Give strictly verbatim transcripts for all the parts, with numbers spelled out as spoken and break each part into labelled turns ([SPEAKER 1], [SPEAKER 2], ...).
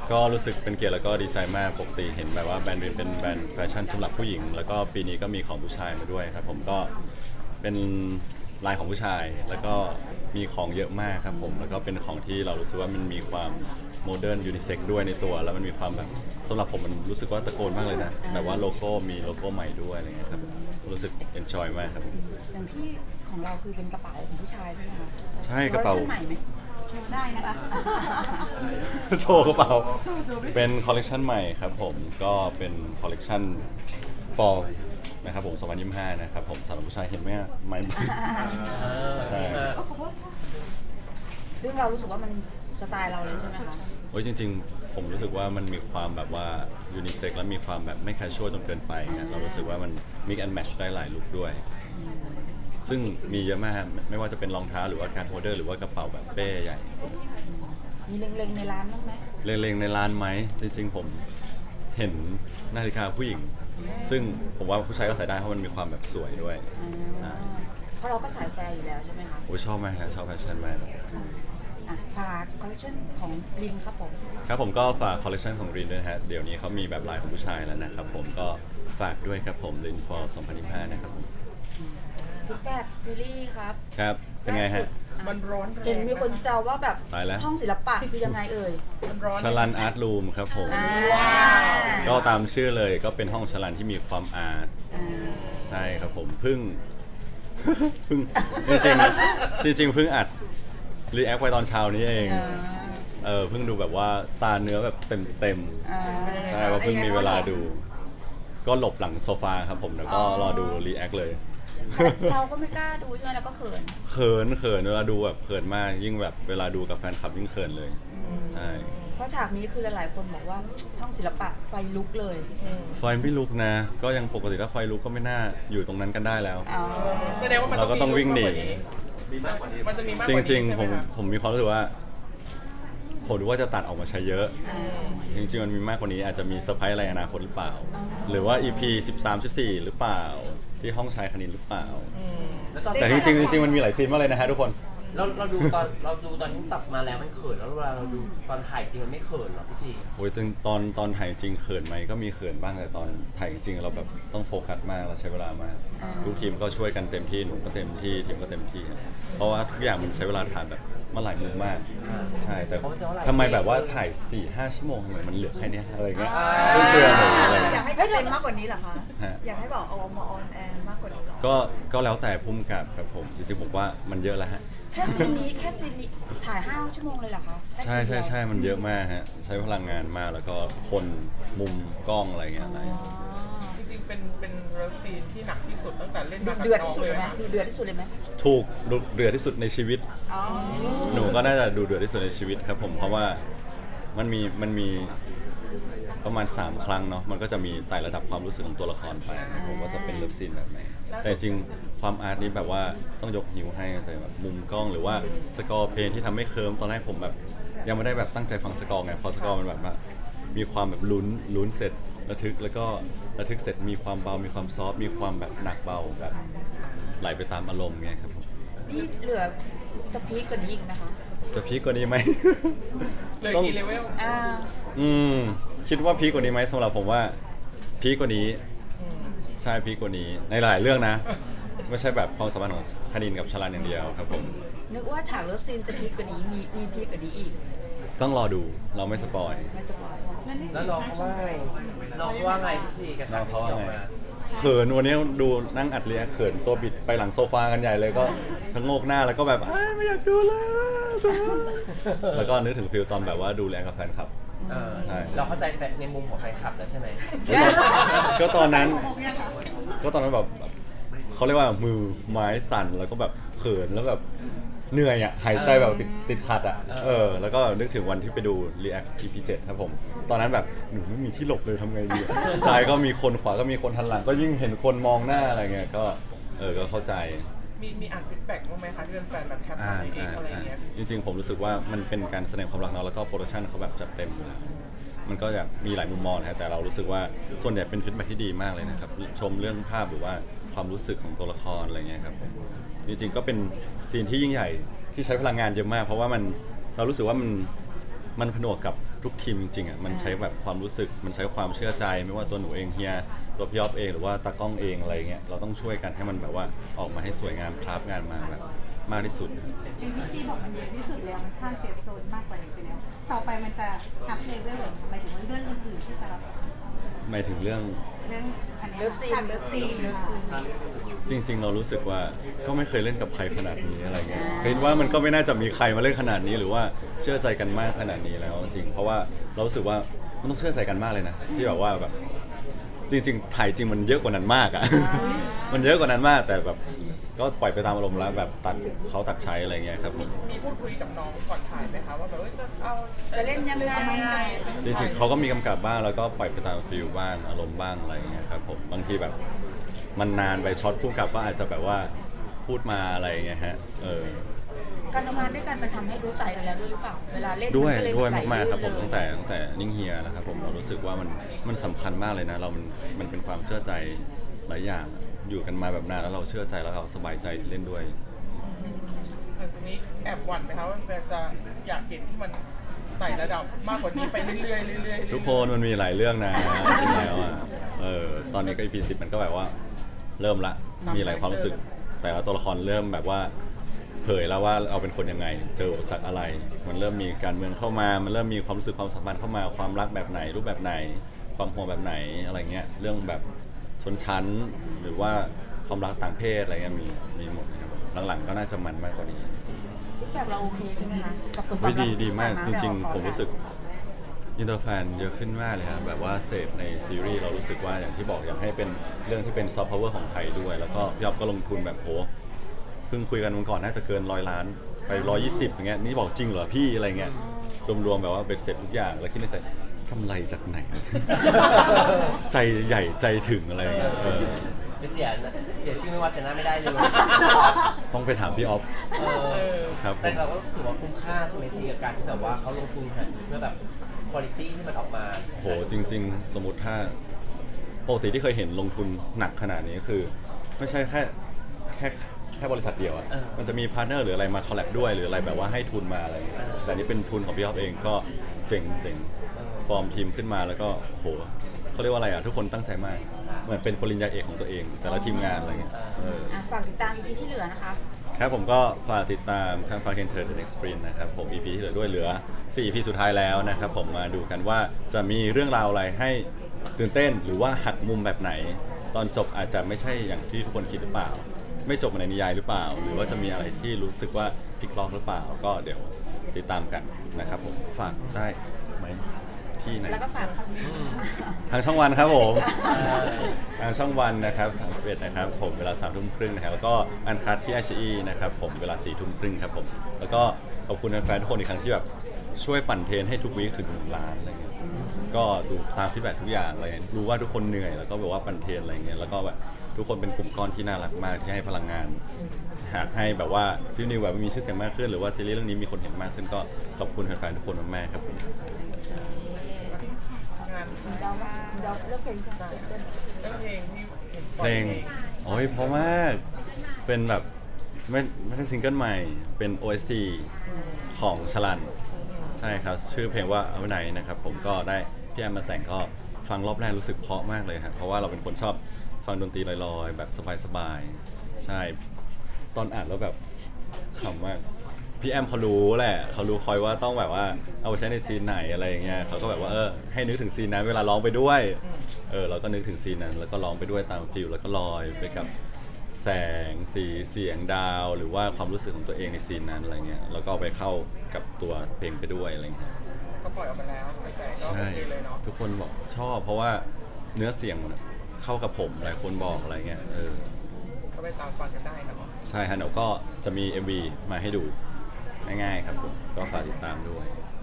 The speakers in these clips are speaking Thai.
[SPEAKER 1] ก็รู้สึกเป็นเกียรติแล้วก็ดีใจมากปกติเห็นแบบว่าแบรนด์รินเป็นแบรนด์แฟชั่นสำหรับผู้หญิงแล้วก็ปีนี้ก็มีของผู้ชายมาด้วยครับผมก็เป็นลายของผู้ชายแล้วก็มีของเยอะมากครับผมแล้วก็เป็นของที่เรารู้สึกว่ามันมีความโมเดิร์นยูนิเซ็กด้วยในตัวแล้วมันมีความแบบสำหรับผมมันรู้สึกว่าตะโกนมากเลยนะแบบว่าโลโก้มีโลโก้ใหม่ด้วยอะไรเงี้ยครับรู้สึกเอนจอยมากครับผม
[SPEAKER 2] อย่างที่ของเราคือเป็นกระเป๋าของผู้ชายใช่ไหมคะ
[SPEAKER 1] ใช่กระเป๋า
[SPEAKER 2] วอร์ชันใหม่ไหมโชว์ได้นะคะ
[SPEAKER 1] โชว์กระเป๋าเป็นคอลเลกชันใหม่ครับผมก็เป็นคอลเลกชัน fall นะครับผมสองพันยี่สิบห้านะครับผมสำหรับผู้ชายเห็นไหมอะไม้ใช่
[SPEAKER 2] ซึ่งเรารู้สึกว่ามันสไตล์เราเลยใช่ไหมคะ
[SPEAKER 1] โอ้ยจริงๆ ผมรู้สึกว่ามันมีความแบบว่ายูนิเซ็กและมีความแบบไม่แคชชวลจนเกินไปเงี้ยเรารู้สึกว่ามัน mix and match ได้หลายลุคด้วย ซึ่งมีเยอะมากไม่ว่าจะเป็นรองเท้าหรือว่าการโฮลเดอร์หรือว่ากระเป๋าแบบเป้ใหญ่
[SPEAKER 2] มีเล็งๆในร้านบ้างไหม
[SPEAKER 1] เล็งๆในร้านไหมจริงๆผมเห็นนาฬิกาผู้หญิง ซึ่งผมว่าผู้ชายก็ใส่ได้เพราะมันมีความแบบสวยด้วยใช่
[SPEAKER 2] เพราะเราก็สายแฟร์อยู่แล้วใช่ไหมคะ
[SPEAKER 1] โอ้ยชอบมากครับชอบแฟชั่นมาก
[SPEAKER 2] อ่ะฝากคอลเลคชันของลินครับผม
[SPEAKER 1] ครับผมก็ฝากคอลเลคชันของรินด้วยนะฮะเดี๋ยวนี้เขามีแบบลายของผู้ชายแล้วนะครับผมก็ฝากด้วยครับผมริน for สองพันยี่สิบห้านะครับผม
[SPEAKER 2] ฟีดแบ็กซีรีส์ครับ
[SPEAKER 1] ครับเป็นไงฮะ
[SPEAKER 3] มันร้อนแรง
[SPEAKER 2] เห็นมีคนแซวว่าแบบ
[SPEAKER 1] ตายแล้ว
[SPEAKER 2] ห้องศิลปะคือยังไงเอ่ย
[SPEAKER 3] มันร้อน
[SPEAKER 1] ชลันอาร์ตรูมครับผม
[SPEAKER 2] อ่า
[SPEAKER 1] ก็ตามชื่อเลยก็เป็นห้องชลันที่มีความอาร์ต
[SPEAKER 2] อ่า
[SPEAKER 1] ใช่ครับผมเพิ่ง เพิ่งจริงๆจริงๆเพิ่งอัดรีแอคไปตอนเช้านี้เอง
[SPEAKER 2] อ่า
[SPEAKER 1] เออเพิ่งดูแบบว่าตาเนื้อแบบเต็มเต็ม
[SPEAKER 2] อ่า
[SPEAKER 1] ๆใช่ว่าเพิ่งมีเวลาดู ก็หลบหลังโซฟาครับผมแล้วก็รอดูรีแอคเลย
[SPEAKER 2] เราก็ไม่กล้าดูใช่ไหมเราก็เขิน
[SPEAKER 1] เขินเขินเวลาดูแบบเขินมากยิ่งแบบเวลาดูกับแฟนคลับยิ่งเขินเลย ใช่
[SPEAKER 2] เพราะฉากนี้คือหลายๆคนบอกว่าห้องศิลปะไฟลุกเลย
[SPEAKER 1] ไฟไม่ลุกนะ ก็ยังปกติถ้าไฟลุกก็ไม่น่าอยู่ตรงนั้นกันได้แล้ว
[SPEAKER 2] อ๋อ
[SPEAKER 3] แสดงว่ามัน
[SPEAKER 1] เราก็ต้องวิ่งหนี
[SPEAKER 3] มีมากกว่านี้มันจะมีมากก
[SPEAKER 1] จ
[SPEAKER 3] ว่านี้
[SPEAKER 1] ริงๆ
[SPEAKER 3] ใช่
[SPEAKER 1] ผ
[SPEAKER 3] ไห
[SPEAKER 1] ม
[SPEAKER 3] คะ
[SPEAKER 1] ผมมีความรู้สึกว่า ผมรู้ว่าจะตัดออกมาใช้เยอะ จริงๆ มันมีมากกว่านี้อาจจะมีเซอร์ไพรส์อะไรอนาคตหรือเปล่า หรือว่า อี พี สิบสาม สิบสี่ หรือเปล่า ที่ห้องชายคณินหรือเปล่า
[SPEAKER 4] แล้วตอน
[SPEAKER 1] แต่จริงๆจริงๆมันมีหลายซีนมากเลยนะฮะทุกคน
[SPEAKER 4] เราเราดูตอนเราดูตอนที่ตัดมาแล้วมันเขินแล้วเวลาเราดูตอนถ่ายจริงมันไม่เขินหรอพี่ซี
[SPEAKER 1] โอ้ยตอนตอนตอนถ่ายจริงเขินไหมก็มีเขินบ้างแต่ตอนถ่ายจริงเราแบบต้องโฟกัสมากเราใช้เวลามากทุกทีมก็ช่วยกันเต็มที่หนูก็เต็มที่ทีมก็เต็มที่ครับเพราะว่าทุกอย่างมันใช้เวลาถ่ายแบบมาหลายมุมมากใช่แต่ทำไมแบบว่าถ่าย สี่ห้า ชั่วโมงทำไมมันเหลือแค่เนี้ยอะไรเงี้ยเพื่อนๆหนูอะไร
[SPEAKER 5] อ
[SPEAKER 1] เงี้
[SPEAKER 5] ยาก
[SPEAKER 1] ย
[SPEAKER 5] ให้จะเป็นมากกว่านี้เหรอคะ
[SPEAKER 1] ฮะ
[SPEAKER 5] อยากให้บอกเอามาออนแอร์มากกว่านี้เหรอ
[SPEAKER 1] ก็ก็แล้วแต่พุ่มกับครับผมจริงๆผมว่ามันเยอะแล้วฮะ
[SPEAKER 2] แค่ซีนนี้แค่ซีนนี้ถ่ายห้าชั่วโมงเลยเหรอคะแค่
[SPEAKER 1] ใช่
[SPEAKER 2] ซีนเดี
[SPEAKER 1] ใช่
[SPEAKER 2] ยว
[SPEAKER 1] ใช่มันเยอะมากฮะใช้พลังงานมากแล้วก็คนมุมกล้องอะไรเงี้ยอะไร
[SPEAKER 2] อ๋อ
[SPEAKER 3] จริงๆเป็นเป็นเลิฟซีนที่หนักที่สุดตั้งแต่เล่น
[SPEAKER 2] ดู
[SPEAKER 3] มากับ
[SPEAKER 2] เดือด
[SPEAKER 3] น้อง
[SPEAKER 2] ที่สุด
[SPEAKER 3] เล
[SPEAKER 2] เลย ยไหม
[SPEAKER 3] นะ
[SPEAKER 2] ดูเดือดที่สุดเลยไหม
[SPEAKER 1] ถูกดุเดือดที่สุดในชีวิต
[SPEAKER 2] อ๋อ
[SPEAKER 1] หนูก็น่าจะดูเดือดที่สุดในชีวิตครับผมเพราะว่ามันมีมันมีประมาณ สาม ครั้งเนาะมันก็จะมีไต่ระดับความรู้สึกของตัวละครไปครับผมว่าจะเป็นเลิฟซีนแบบไหนแต่จริงความอาร์ตนี้แบบว่าต้องยกนิ้วให้แต่แบบมุมกล้องหรือว่าสกอร์เพลงที่ทำให้เคิร์มตอนแรกผมแบบยังไม่ได้แบบตั้งใจฟังสกอร์ไงพอสกอร์มันแบบว่ามีความแบบลุ้นลุ้นเสร็จระทึกแล้วก็ระทึกเสร็จมีความเบา มีความซอฟต์มีความแบบหนักเบาแบบไหลไปตามอารมณ์ไงครับผม
[SPEAKER 2] นี่เหลือจะพีคกว่านี้อีกนะคะ
[SPEAKER 1] จะพีคกว่านี้ไหม
[SPEAKER 3] เหลย
[SPEAKER 1] ต้อง
[SPEAKER 3] กี่เลเวล
[SPEAKER 2] อ่า
[SPEAKER 1] อืมคิดว่าพีคกว่านี้ไหมสำหรับผมว่าพีคกว่านี้ใช่พีคกว่านี้ในหลายเรื่องนะ ไม่ใช่แบบความสัมพันธ์ของคณินกับชลันอย่างเดียวครับผม
[SPEAKER 2] นึกว่าฉากเลิฟซีนจะพีคกว่านี้มีมีพีคกว่านี้อีก
[SPEAKER 1] ต้องรอดูเราไม่สปอย
[SPEAKER 2] ไม่สปอย
[SPEAKER 4] แล้วน้องเขาว่าไงน้องเขาว่าไงพี่ซีกับฉากที่ออกมา
[SPEAKER 1] เขินวันนี้ดูนั่งอัดเรียเขินตัวบิดไปหลังโซฟากันใหญ่เลยก็ชะโงกหน้าแล้วก็แบบอ้ายไม่อยากดูแล้วแล้วก็นึกถึงฟิลตอนแบบว่าดูแลกับแฟนคลับ
[SPEAKER 4] เออ
[SPEAKER 1] ใช่
[SPEAKER 4] เราเข้าใจแฟนในมุมของแฟนคลับแล้วใช่ไหม
[SPEAKER 1] ก็ตอนนั้น ก็ตอนนั้นแบบเขาเรียกว่ามือไม้สั่นแล้วก็แบบเขินแล้วแบบเหนื่อยอ่ะหายใจแบบติดติดขัดอ่ะเออแล้วก็นึกถึงวันที่ไปดู React อี พี เจ็ดครับผมตอนนั้นแบบหนูไม่มีที่หลบเลยทำไงดีอะซ้ายก็มีคนขวาก็มีคนทันหลังก็ยิ่งเห็นคนมองหน้าอะไรเงี้ยก็เออก็เข้าใจ
[SPEAKER 3] มีมีอ่านฟีดแบ็กบ้างไหมคะที่เป็นแฟนแบบแคป
[SPEAKER 1] อ่า
[SPEAKER 3] ชั่นเอง
[SPEAKER 1] อ่า
[SPEAKER 3] อะไร
[SPEAKER 1] อ่า
[SPEAKER 3] เงี้ย
[SPEAKER 1] จริงๆผมรู้สึกว่ามันเป็นการแสดงความรักเนาะแล้วก็โปรดักชันเขาแบบจัดเต็มอยู่แล้วมันก็จะมีหลายมุมมองนะฮะแต่เรารู้สึกว่าส่วนใหญ่เป็นฟีดแบ็กที่ดีมากเลยนะครับชมเรื่องภาพหรือว่าความรู้สึกของตัวละครอะไรเงี้ยครับผมจริงๆก็เป็นซีนที่ยิ่งใหญ่ที่ใช้พลังงานเยอะมาก เพราะว่ามันเรารู้สึกว่ามันมันผนวกกับทุกทีมจริงๆอ่ะมันใช้แบบความรู้สึกมันใช้ความเชื่อใจไม่ว่าตัวหนูเองเฮียตัวพี่อ๊อฟเองหรือว่าตากล้องเองอะไรเงี้ยเราต้องช่วยกันให้มันแบบว่าออกมาให้สวยงามคราฟงานมาแบบมากที่สุด
[SPEAKER 6] เอ็มบีซีบอกมันเยอะที่สุดแล้วมันข้ามเซฟโซนมากกว่านี้ไปแล้ว ต่อไปมันจะอัพเลเวลหมายถึงว่าเรื่องอื่นๆที่จะรับ
[SPEAKER 1] หมายถึงเรื่อง
[SPEAKER 6] เรื่องอันนี้
[SPEAKER 2] เลิฟซีน
[SPEAKER 6] ฉากเลิฟซีนค่ะ
[SPEAKER 1] จริง ๆ เรารู้สึกว่าก็ไม่เคยเล่นกับใครขนาดนี้อะไรเงี้ยคิดว่ามันก็ไม่น่าจะมีใครมาเล่นขนาดนี้หรือว่าเชื่อใจกันมากขนาดนี้แล้วจริงๆเพราะว่าเรารู้สึกว่ามันต้องเชื่อใจกันมากเลยนะที่แบบว่าแบบจริงๆถ่ายจริงมันเยอะกว่านั้นมากอะ มันเยอะกว่านั้นมากแต่แบบก็ปล่อยไปตามอารมณ์แล้วแบบตัดเขาตัดใช้อะไรเงี้ยครับผม
[SPEAKER 3] มีพูดคุยกับน้องก่อนถ่ายไหมคะว่าแบบว่าจะเอา
[SPEAKER 2] จะเล่นยังไง
[SPEAKER 1] จริงๆเขาก็มีกำกับบ้างแล้วก็ปล่อยไปตามฟิลบ้างอารมณ์บ้างอะไรเงี้ยครับผมบางทีแบบมันนานไปช็อตพุ่งกับก็อาจจะแบบว่าพูดมาอะไรเงี้ยฮะเออ
[SPEAKER 2] การทำงานด้วยกันมันทำให้รู้ใจกันแล้วด้วยหรือเปล่าเวลาเล่น
[SPEAKER 1] ด้วย
[SPEAKER 2] นก็เล
[SPEAKER 1] ด้วย
[SPEAKER 2] ไหล
[SPEAKER 1] มากๆครับผม
[SPEAKER 2] ลื่นเลย
[SPEAKER 1] ตั้งแต่ตั้งแต่นิ่งเฮียนะครับผมเรารู้สึกว่ามันมันสำคัญมากเลยนะเรามันมันเป็นความเชื่อใจหลายอย่างอยู่กันมาแบบนานแล้วเราเชื่อใจแล้วเราสบายใจที่เล่นด้วย
[SPEAKER 3] หลังจากนี้แอบหวั่นไหมคะว่าแฟนจะอยากเห็นที่มันใส่ระดับมากกว่านี้ไปเรื่อยๆเรื่อยๆ
[SPEAKER 1] ทุกคนมันมีหลายเรื่องนะจริงแล้วอ่ะเออตอนนี้ก็ อี พี สิบมันก็แบบว่าเริ่มละมีหลายความรู้สึก แต่ละตัวละครเริ่มแบบว่าเผยแล้วว่าเราเป็นคนยังไงเจออุปสรรคอะไร มันเริ่มมีการเมืองเข้ามา มันเริ่มมีความรู้สึกความสัมพันธ์เข้ามาความรักแบบไหน รูปแบบไหน ความห่วงแบบไหนอะไรเงี้ยเรื่องแบบชนชั้นหรือว่าความรักต่างเพศอะไรเงี้ยมีมีหมดนะครับหลังๆก็น่าจะมันมากกว่านี้
[SPEAKER 2] ฟีดแบ็กเราโอเคใช่ไหมคะกับผลตอบ
[SPEAKER 1] วิ
[SPEAKER 2] รับ
[SPEAKER 1] ดีดีมากจ
[SPEAKER 2] ที่ผ่น
[SPEAKER 1] ริง
[SPEAKER 2] แต่ละ
[SPEAKER 1] ๆ ผมรู้สึก
[SPEAKER 2] ละค
[SPEAKER 1] อินเตอร์แฟนเยอะขึ้นมากเลยครับแบบว่าเสพในซีรีส์เรารู้สึกว่าอย่างที่บอกอยากให้เป็นเรื่องที่เป็นซอฟต์พาวเวอร์ของไทยด้วย แล้วก็พี่อ๊อฟก็ลงทุนแบบโหเพิ่งคุยกันวันก่อนน่าจะเกินร้อยล้านไปร้อยยี่สิบอย่างเงี้ยนี่บอกจริงเหรอพี่อะไรเงี้ยรวมๆแบบว่าเป็นเสร็จทุกอย่างแล้วคิดในใจกำไรจากไหน ใจใหญ่ใจถึงอะไรเงี้ยเออ
[SPEAKER 4] ไปเสียเสียชื่อไม่ว่าชนะไม่ได้เลย
[SPEAKER 1] ต้องไปถามพี่อ๊อฟ
[SPEAKER 4] เออ
[SPEAKER 1] ครับผม
[SPEAKER 4] แต่เราก็ถือว่าคุ้มค่าใช่ไหมซีกับการที่แบบว่าเขาลงทุนขนาดนี้เพื่อแบบคุณภาพที่มันออกมา
[SPEAKER 1] โหจริง ๆ สมมติถ้าปกติที่เคยเห็นลงทุนหนักขนาดนี้คือ ไม่ใช่แค่แค่แค่บริษัทเดียวอะ
[SPEAKER 4] เออ
[SPEAKER 1] มันจะมีพาร์ทเนอร์หรืออะไรมาคอลแลบด้วยหรืออะไรแบบว่าให้ทุนมาอะไรอย่างเงี้ย
[SPEAKER 4] เออ
[SPEAKER 1] แต่นี่เป็นทุนของพี่อ๊อฟเองก็เจ๋งเจ๋ง
[SPEAKER 4] เออ
[SPEAKER 1] ฟอร์มทีมขึ้นมาแล้วก็โหเขาเรียกว่าอะไรอะทุกคนตั้งใจมากเหมือนเป็นปริญญาเอกของตัวเอง แต่ละทีมงานอะไรเงี้ยเออ
[SPEAKER 2] อ่ะฝากติดตาม อี พี ที่เหลือนะคะ
[SPEAKER 1] ครับผมก็ฝากติดตามข้างฟ้าเคนเทอร์เดนเอ็กซ์ปรินนะครับผม อี พี ที่เหลือด้วยเหลือสี่ อี พี สุดท้ายแล้วนะครับผมมาดูกันว่าจะมีเรื่องราวอะไรให้ตื่นเต้นหรือว่าหักมุมแบบไหน ตอนจบอาจจะไม่ใช่อย่างที่ทุกคนคิดหรือเปล่า ไม่จบในนิยายหรือเปล่า หรือว่าจะมีอะไรที่รู้สึกว่าพลิกล็อกหรือเปล่า ก็เดี๋ยวติดตามกันนะครับผมฝากได้ไหมที่ไหน
[SPEAKER 2] แล้วก็ฝาก
[SPEAKER 4] อืม
[SPEAKER 1] ทางช่องวันครับผม
[SPEAKER 4] เออ
[SPEAKER 1] ทางช่องวันนะครับสามสิบเอ็ดนะครับผมเวลาสามทุ่มครึ่งนะครับแล้วก็อันคัดที่ ไอ ซี อี นะครับผมเวลาสี่ทุ่มครึ่งครับผมแล้วก็ขอบคุณแฟนๆทุกคนอีกครั้งที่แบบช่วยปั่นเทรนให้ทุกวีคถึงหนึ่งล้านอะไรเงี้ยก็ดูตามฟีดแบ็กทุกอย่างอะไรเงี้ยรู้ว่าทุกคนเหนื่อยแล้วก็แบบว่าปั่นเทรนอะไรเงี้ยแล้วก็แบบทุกคนเป็นกลุ่มก้อนที่น่ารักมากที่ให้พลังงาน หากให้แบบว่าซีรีส์นิวแบบมีชื่อเสียงมากขึ้นหรือว่าซีรีส์เรื่องนี้มีคนเห็นมากขึ้นก็ขอบคุณแฟนๆทุกคนมากๆครับผม
[SPEAKER 3] งาน
[SPEAKER 2] เดาว่าเดาเลือกเพลงใช่ไหม
[SPEAKER 3] เรื่องเพลงที่ห็นป
[SPEAKER 1] เพ
[SPEAKER 3] ล่
[SPEAKER 1] ล
[SPEAKER 3] อย
[SPEAKER 1] งโอ้ยเพราะมาก เป็นแบบไม่ไม่ได้ซิงเกิลใหม่ เป็น โอ เอส ที ของชลัน ใช่ครับ ชื่อเพลงว่าเอาไหนนะครับผมก็ได้พี่แอมมาแต่งก็ฟังรอบแรกรู้สึกเพราะมากเลยครับเพราะว่าเราเป็นคนชอบฟังดนตรีลอยๆ แบบสบายๆ ใช่ ตอนอ่านแล้วแบบขำมาก พี่แอมเขารู้แหละ เขารู้คอยว่าต้องแบบว่าเอาไปใช้ในซีนไหนอะไรอย่างเงี้ยเขาก็แบบว่าเออให้นึกถึงซีนนั้นเวลาร้องไปด้วย เออเราก็นึกถึงซีนนั้นแล้วก็ร้องไปด้วยตามฟิลแล้วก็ลอยไปกับแสงสีเสียงดาว หรือว่าความรู้สึกของตัวเองในซีนนั้นอะไรเงี้ยแล้วก็เอาไปเข้ากับตัวเพลงไปด้วยอะไรเงี้ย
[SPEAKER 3] ก็ปล่อยออกมาแล้วกระแสก็โอ
[SPEAKER 1] ใช่
[SPEAKER 3] เคเลยเนาะ
[SPEAKER 1] ทุกคนบอกชอบ เพราะว่าเนื้อเสียงมันเข้ากับผมหลายคนบอกอะไรเงี้ยเออ
[SPEAKER 3] ก็ไปตามฟังกันได้เนาะ
[SPEAKER 1] ใช่ฮะเดี๋ยวก็จะมี เอ็ม วี มาให้ดูง่ายๆครับผมก็ฝากติดตามด้วย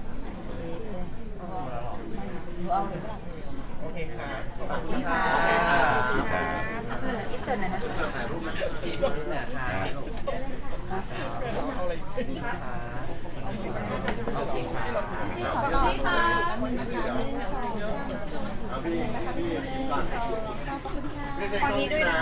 [SPEAKER 2] หนูเอาเลยก็ได้
[SPEAKER 3] โอเคค่ะขอบคุณค่ะ
[SPEAKER 1] ขอบคุณครับ
[SPEAKER 2] อิฟเจนหน่อยนะ
[SPEAKER 4] ซีรีส์เนี่ยค่ะ
[SPEAKER 3] เอาอะไร
[SPEAKER 4] ค่ะโอเคค่ะ
[SPEAKER 6] ที่ขอต่อค่ะแป๊บนึงนะคะหนึ่งสองสามแป๊บนึงนะคะพี่หนึ่งสองขอบคุณค่ะ
[SPEAKER 5] ตอนนี้ด้วยนะ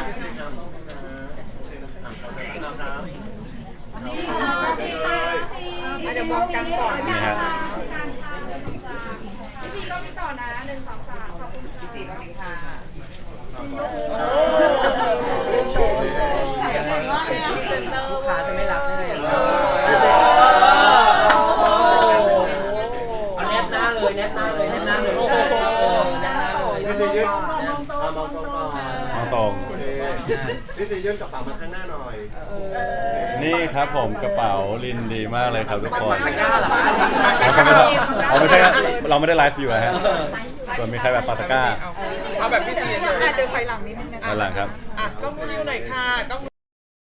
[SPEAKER 6] เดี๋ยวมองกันก่อน
[SPEAKER 1] นี่ฮะ
[SPEAKER 6] พี่สี่ก็มีค่ะ
[SPEAKER 3] โชว์โชว์
[SPEAKER 6] ใส่อะไรวะเนี่ย
[SPEAKER 2] พรีเซนเตอร์
[SPEAKER 4] ลูกค้าจะไม่รับแน่เลยเอาแนบหน้าเลยแนบหน้าเลยแนบหน้าเลยแนบหน้าเลย
[SPEAKER 6] พี่สี่ยืนมองตรงมองตรงมองตรง
[SPEAKER 1] เอาตรง
[SPEAKER 7] โอเคพี่ซียื่นกระเป๋ามาข้างหน้าหน่อย
[SPEAKER 1] นี่ครับผมกระเป๋าลินดีมากเลยครับทุกคน
[SPEAKER 4] ตะกร้าเหรอ
[SPEAKER 1] เอาไม่ใช่ครับเราไม่ได้ไลฟ์อยู่อะฮะส่วนมีใครแบบปาตะกร้า
[SPEAKER 3] เอาแบบพี่ซี
[SPEAKER 5] อยากการเดินไปหลังนิดนึงนะ
[SPEAKER 1] ด้านหลังครับ
[SPEAKER 3] อ่ะกล้องนิวหน่อยค่ะกล้อง